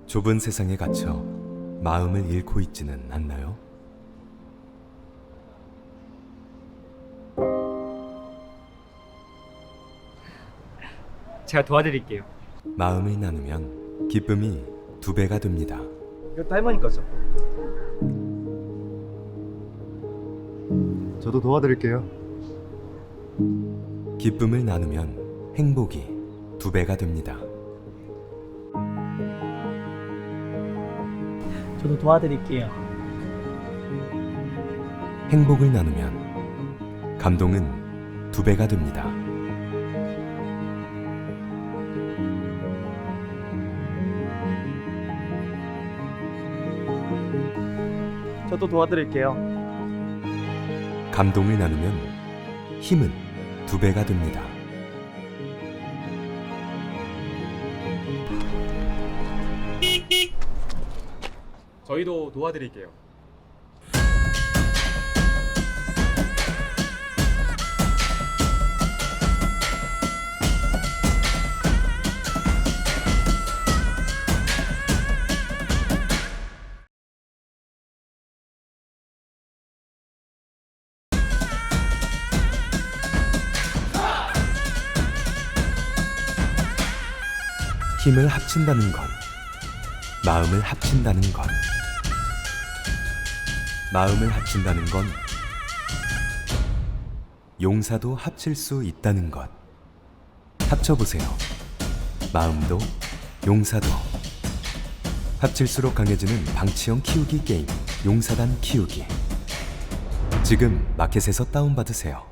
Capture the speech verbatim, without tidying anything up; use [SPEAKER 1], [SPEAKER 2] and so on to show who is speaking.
[SPEAKER 1] 좁은 세상에 갇혀 마음을 잃고 있지는 않나요?
[SPEAKER 2] 제가 도와드릴게요.
[SPEAKER 1] 마음을 나누면 기쁨이 두 배가 됩니다.
[SPEAKER 2] 이것도 할머니 거죠?
[SPEAKER 3] 저도 도와드릴게요.
[SPEAKER 1] 기쁨을 나누면 행복이 두 배가 됩니다.
[SPEAKER 4] 저도 도와드릴게요.
[SPEAKER 1] 행복을 나누면 감동은 두 배가 됩니다.
[SPEAKER 2] 저도 도와드릴게요.
[SPEAKER 1] 감동을 나누면 힘은 두 배가 됩니다.
[SPEAKER 2] 저희도 도와드릴게요.
[SPEAKER 1] 힘을 합친다는 건 마음을 합친다는 것. 마음을 합친다는 건 용사도 합칠 수 있다는 것. 합쳐보세요. 마음도 용사도. 합칠수록 강해지는 방치형 키우기 게임 용사단 키우기. 지금 마켓에서 다운받으세요.